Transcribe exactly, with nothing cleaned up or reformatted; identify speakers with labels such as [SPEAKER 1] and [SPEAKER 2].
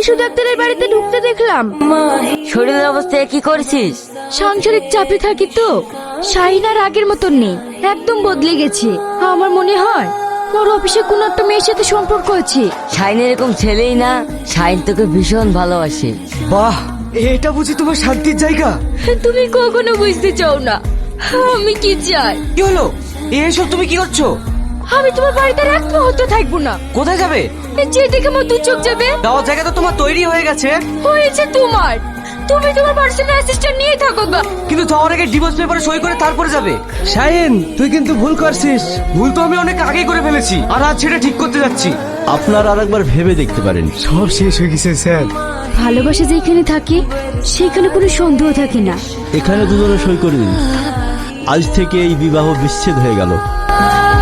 [SPEAKER 1] শিশু ডাক্তারের বাড়িতে ঢুকতে দেখলাম।
[SPEAKER 2] শরীরের অবস্থায় কি করছিস?
[SPEAKER 1] সাংসারিক চাপে থাকি তো, শাহিন আর আগের মতন নেই, একদম বদলে গেছে। আমার মনে হয় ওর অফিসে কোনো একটা মেয়ের সাথে সম্পর্ক আছে।
[SPEAKER 2] শাইন এরকম ছেলেই না, শাইন তোকে ভীষণ ভালোবাসে।
[SPEAKER 3] বাহ, এটা বুঝি তোমার শান্তির জায়গা?
[SPEAKER 1] তুমি কখনো বুঝতে চাও না আমি কি চাই।
[SPEAKER 3] কি হলো? এসব তুমি কি করছো?
[SPEAKER 1] আমি তোমার বাড়িতে আর এক মুহূর্ত থাকবো না।
[SPEAKER 3] কোথায় যাবে?
[SPEAKER 1] যে দেখে আমার দু চোখ যাবে।
[SPEAKER 3] যাওয়ার জায়গা তো তোমার তৈরি হয়ে গেছে।
[SPEAKER 1] হয়েছে তোমার, তুমি তোমার পার্সোনাল অ্যাসিস্ট্যান্ট নিয়ে থাকো গা।
[SPEAKER 3] কিন্তু যাওয়ার আগে ডিভোর্স পেপারে সই করে তারপরে যাবে। শাহিন, তুই কিন্তু ভুল করছিস। ভুল তো আমি অনেক আগেই করে ফেলেছি, আর আজ সেটা ঠিক করতে যাচ্ছি।
[SPEAKER 4] আপনার আর একবার ভেবে দেখতে পারেন।
[SPEAKER 3] সব শেষ হয়ে গেছে স্যার।
[SPEAKER 1] ভালোবাসা যেখানে থাকে সেখানে কোনো সন্দেহ থাকে না।
[SPEAKER 4] এখানে দুজনে সই করে দিন, আজ থেকে এই বিবাহ বিচ্ছেদ হয়ে গেল।